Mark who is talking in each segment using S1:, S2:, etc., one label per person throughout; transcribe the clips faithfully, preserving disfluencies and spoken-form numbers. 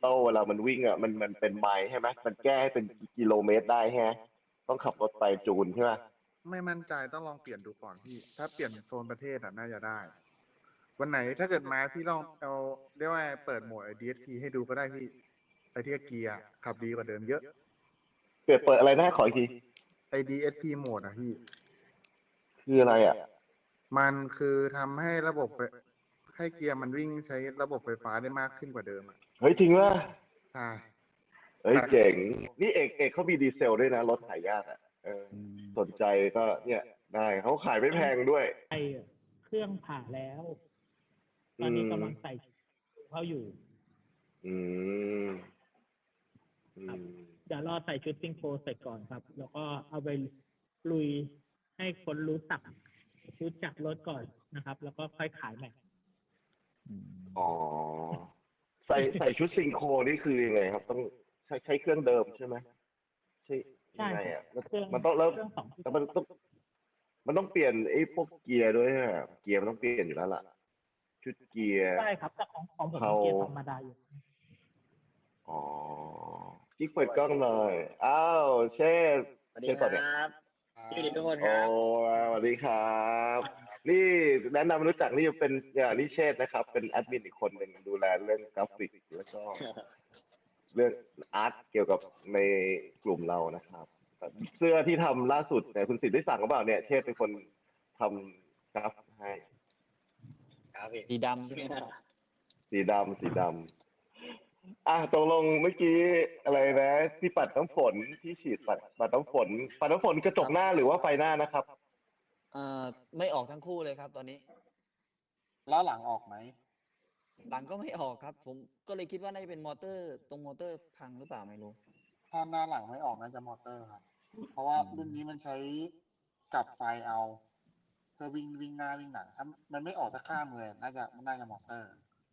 S1: ตอลเวลามันวิ่งอ่ะมันมันเป็นไมล์ใช่ไหมมันแก้ให้เป็นกิโลเมตรได้ฮะต้องขับรถไปจูนใช่ไหม
S2: ไม่มั่นใจต้องลองเปลี่ยนดูก่อนพี่ถ้าเปลี่ยนโซนประเทศอ่ะน่าจะได้วันไหนถ้าเกิดมาพี่ลองเอาเรียกว่าเปิดโหมด ดี เอส พี ให้ดูก็ได้พี่ไอที่เกียร์ขับดีกว่าเดิมเยอะ
S1: เปิดเปิดอะไรนะขออีกที
S2: ไอ ดี เอส พี โหมดอ่ะพี่
S1: คืออะไรอ่ะ
S2: มันคือทำให้ระบบไฟให้เกียร์มันวิ่งใช้ระบบไฟฟ้าได้มากขึ้นกว่าเดิมอ่ะ
S1: เฮ้ยจริงว่า
S2: ใช่
S1: เฮ้ยเจ๋งนี่เอกเอกเขามีดีเซลด้วยนะรถหายากอ่ะเออสนใจก็เนี่ยได้เขาขายไม่แพงด้วย
S3: ไอเครื่องผ่าแล้วตอนนี้กำลังใส่เข้าอยู่
S1: อืมอื
S3: ครับ
S1: ม
S3: เดี๋ยวรอใส่ชุดซิงโครเสร็จก่อนครับ แล้วก็เอาไปลุยให้คนรู้จักรู้จักรถก่อนนะครับ แล้วก็ค่อยขายใหม่
S1: อ๋อใส่ใส่ชุดซิงโครนี่คือยังไงครับต้องใช้ใช้เครื่องเดิมใช่ไหมใช่ยังไงอ่ะมันต้องแล้วแต่มันต้องมันต้องเปลี่ยนไอ้พวกเกียร์ด้วยฮะเกียร์มันต้องเปลี่ยนอยู่แล้วล่ะชุดเกียร์
S3: ใช่ครับแต่ของของผม
S1: เขา
S3: เกียร์ธรรมดาอยู่
S1: อ๋อกิ๊กเปิดกล้องหน่อยอ้าวเชษ
S4: สวัสดี
S1: เชษ
S4: ค
S1: ต่อเนี่ย
S4: รับพี่ดิทุกคนค
S1: โอ้
S4: รับ
S1: สวัสดีครับนี่แนะนำรู้จักนี่เป็นอย่างนี่เชษนะครับเป็นแอดมินอีกคนหนึ่งดูแลเรื่องกราฟิกแล้วก็เรื่องอาร์ตเกี่ยวกับในกลุ่มเรานะครับเสื้อที่ทำล่าสุดเนี่ยคุณสิทธิ์ได้สั่งหรือเปล่าเนี่ยเชษเป็นคนทำกราฟให้
S4: ครับพี่
S5: สีดำใช่ไหมครับ
S1: สีดำสีดำอ่ะตกลงเมื่อกี้อะไรนะที่ปัดน้ำฝนที่ฉีดปัดปัดน้ำฝนปัดน้ำฝนกระจกหน้าหรือว่าไฟหน้านะครับ
S5: เอ่อไม่ออกทั้งคู่เลยครับตอนนี้
S2: แล้วหลังออกไหม
S5: หลังก็ไม่ออกครับผมก็เลยคิดว่าน่าจะเป็นมอเตอร์ตรงมอเตอร์พังหรือเปล่าไม่รู้
S2: ถ้าหน้าหลังไม่ออกน่าจะมอเตอร์ครับเพราะว่ารุ่นนี้มันใช้กับไฟเอาเพื่อวิ่งวิ่งหน้าวิ่งหลังถ้ามันไม่ออกตะข้ามเลยน่าจะน่าจะมอเตอร์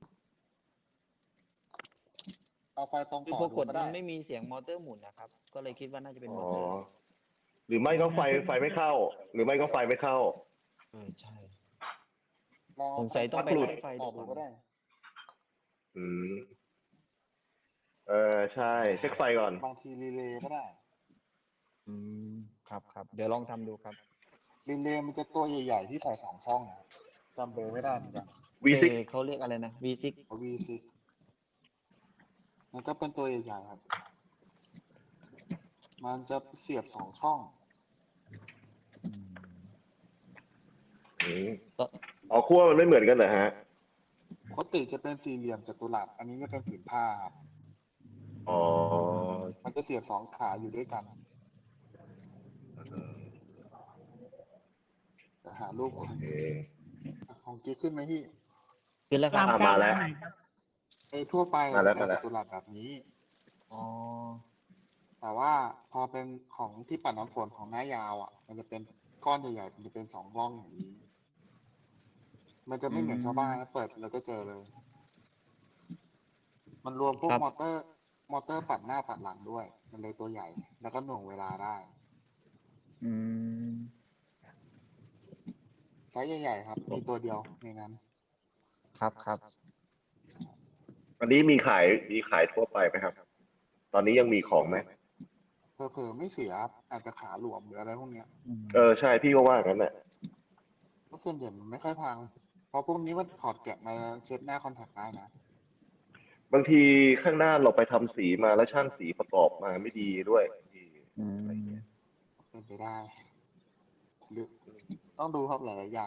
S2: เอาไฟตรง
S5: คือ
S2: ต่อ
S5: พอ
S2: ดู
S5: กด
S2: ก็
S5: มั
S2: ได้
S5: นไม่มีเสียงมอเตอร์หมุนนะครับก็เลยคิดว่าน่าจะเป็น
S1: อ๋อ
S5: มอเตอร์
S1: หรือไม่ก็ไฟไฟไม่เข้า หรือไม่ก็ไฟไม่เข้า
S5: เออใช่
S2: ลอง
S5: สงสัยต้องไปไล่ไฟ
S2: ต่
S5: ดู
S2: อดูก็ได้
S1: อืมเออใช่เช็คไฟก่อน
S2: บางทีรีเลย์ก็ได้
S5: อืมครับครับเดี๋ยวลองทำดูครับ
S2: รีเลย์มันจะตัวใหญ่ๆที่ใส่สองช่องนะจำเบอร์ไม่ได้เหมือนกัน
S1: วี
S5: เอ
S1: ซิก
S5: เขาเรียกอะไรนะ วี ซิกซ์
S2: วี ซิกซ์ มันก็เป็นตัวใหญ่ๆครับมันจะเสียบสองช่อง
S1: อืมอ๋อขั้วมันไม่เหมือนกันเหรอฮะ
S2: ปกติจะเป็นสี่เหลี่ยมจัตุรัสอันนี้จะเป็นผืนผ้าครับ
S1: อ๋อ
S2: มันจะเสียบสองขาอยู่ด้วยกันจะหารูปของของกิ๊กขึ้นไหมพี่
S5: ขึ้นแล้วครับ
S1: มาแล้ว
S2: ไอ้ทั่วไป
S1: มาแล้ว
S2: เป็นจัตุรัสแบบนี้
S5: อ๋อ
S2: แต่ว่าพอเป็นของที่ปัดน้ำฝนของหน้ายาวอ่ะมันจะเป็นก้อนใหญ่ๆมันจะเป็นสองร่องอย่างนี้มันจะไม่เหมือนชาวบ้านนะเปิดเราจะเจอเลย มันรวมพวกมอเตอร์ มอเตอร์ปัดหน้าปัดหลังด้วย มันเลยตัวใหญ่ แล้วก็หน่วงเวลาได้
S5: อืม
S2: ไซส์ใหญ่ๆครับ มีตัวเดียวในนั้น
S5: ครับครับ
S1: วันนี้มีขายมีขายทั่วไปไหมครับ ตอนนี้ยังมีของไหม
S2: เผลอๆไม่เสียอาจจะขาหลวมหรืออะไรพวกเนี้ย
S1: เออใช่พี่ก็ว่างั้นแหละ
S2: ก็ส่วนใหญ่มันไม่ค่อยพัง เพราะพวกนี้มันถอดแกะมาเช็ดหน้าคอนแทคได้นะ
S1: บางทีข้างหน้าเราไปทำสีมาแล้วช่างสีประกอบมาไม่ดีด้วยอะไรเงี้ย
S2: เป็นไปได้หรือต้องดูครับหลายๆอย่าง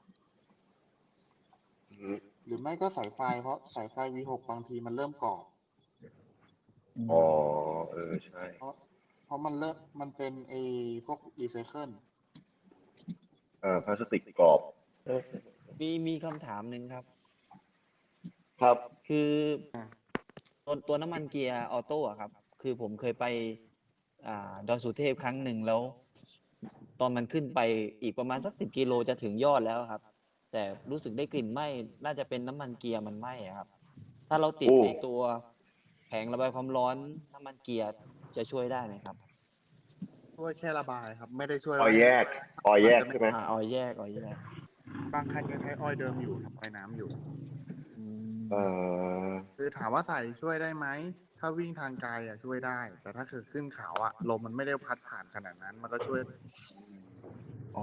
S2: หรือไม่ก็สายไฟเพราะสายไฟ วี หก บางทีมันเริ่มกรอบ
S1: อ๋อเออใช่
S2: เพราะเพราะมันเริ่มมันเป็นไอ้พวกรีไซเคิล
S1: อ่าพลาสติกกรอบ
S5: มีมีคำถามหนึ่งครับ
S1: ครับ
S5: คือตัวตัวน้ำมันเกียร์ออโต้อะครับคือผมเคยไปอ่าดอยสุเทพครั้งหนึ่งแล้ว ตอนมันขึ้นไปอีกประมาณสักสิบกิโลจะถึงยอดแล้วครับแต่รู้สึกได้กลิ่นไหม้น่าจะเป็นน้ำมันเกียร์มันไหม้ครับถ้าเราติดในตัวแผงระบายความร้อนน้ำมันเกียร์จะช่วยได้ไหมครับ
S2: ช่วยแค่ระบายครับ ไม่ได้ช่วย
S1: ออยแยกออยแยกใช่ไหม
S5: อ่าออยแยกออยแยก
S2: บางคันยังใช้ออยเดิมอยู่ครับออยน้ำอยู่
S5: อืม
S1: เอ่อ
S2: คือถามว่าใส่ช่วยได้ไหม ถ้าวิ่งทางไกลอ่ะช่วยได้ แต่ถ้าคือขึ้นเขาอ่ะลมมันไม่ได้พัดผ่านขนาดนั้น มันก็ช่วย
S5: อ๋อ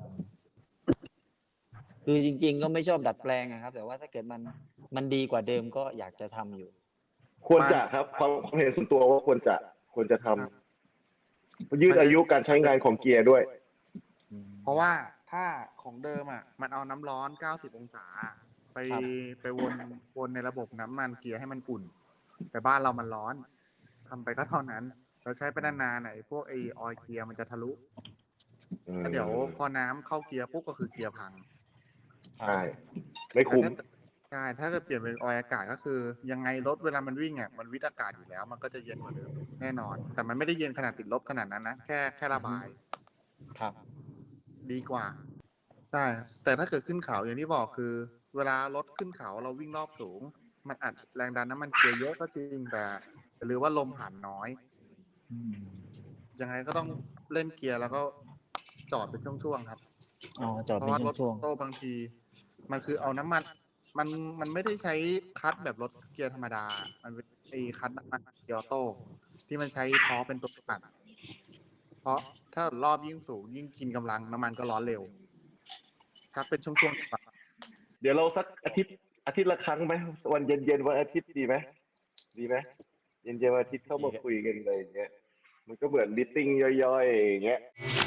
S5: คือจริง ๆ ก็ไม่ชอบดัดแปลงอะครับ แต่ว่าถ้าเกิดมันมันดีกว่าเดิมก็อยากจะทำอยู่
S1: ควรจะครับความความเห็นส่วนตัวว่าควรจะควรจะทำยืดอายุการใช้งานของเกียร์ด้วย
S2: เพราะว่าถ้าของเดิมอ่ะ มันเอาน้ำร้อนเก้าสิบองศา ไป
S5: ครับ
S2: ไปวนวนในระบบน้ำมันเกียร์ให้มันอุ่น แต่บ้านเรามันร้อนทำไปก็เท่านั้น เราใช้ไปนานๆไหนพวกไอออยล์เกียร์มันจะทะลุ
S1: อืม
S2: แล้วเดี๋ยวพอน้ำเข้าเกียร์ปุ๊บก็คือเกียร์พัง
S1: ใช่ ไม่คุ้ม
S2: แต่ถ้าใช่ ถ้าเกิดเปลี่ยนเป็นออยล์อากาศก็คือ ยังไงรถเวลามันวิ่งอ่ะ มันวิทย์อากาศอยู่แล้ว มันก็จะเย็นกว่าเดิมแน่นอน แต่มันไม่ได้เย็นขนาดติดลบขนาดนั้นนะ แค่แค่ระบาย
S5: ครับ ดี
S2: ดีกว่า ใช่ แต่ถ้าเกิดขึ้นเขาอย่างที่บอกคือ เวลารถขึ้นเขาเราวิ่งรอบสูง มันอัดแรงดันน้ำมันเกียร์เยอะก็จริง แต่หรือว่าลมผ่านน้อย
S5: อืม
S2: ยังไงก็ต้องเล่นเกียร์แล้วก็จอดเป็นช่วงๆครับ
S5: อ๋อ จอด
S2: เพ
S5: เป็
S2: ราะ
S5: น
S2: ว่ารถ
S5: ช่วง
S2: โต้บางที มันคือเอาน้ำมัน มันมันไม่ได้ใช้คลัตช์แบบรถเกียร์ธรรมดา มันเป็นไอ้คลัตช์น้ำมันเกียร์ออโต้ที่มันใช้ท้อเป็นตัวตัด เพราะถ้ารอบยิ่งสูงยิ่งกินกำลังน้ำมันก็ร้อนเร็วพักเป็นช่วงๆดีกว่า
S1: เดี๋ยวเราสักอาทิตย์อาทิตย์ละครั้งไหมวันเย็นๆวันอาทิตย์ดีไหมดีไหมเย็นๆวันอาทิตย์เข้ามาคุยกันอะไรอย่างเงี้ยมันก็เหมือนมิทติ้งย่อยๆอย่างเงี้ย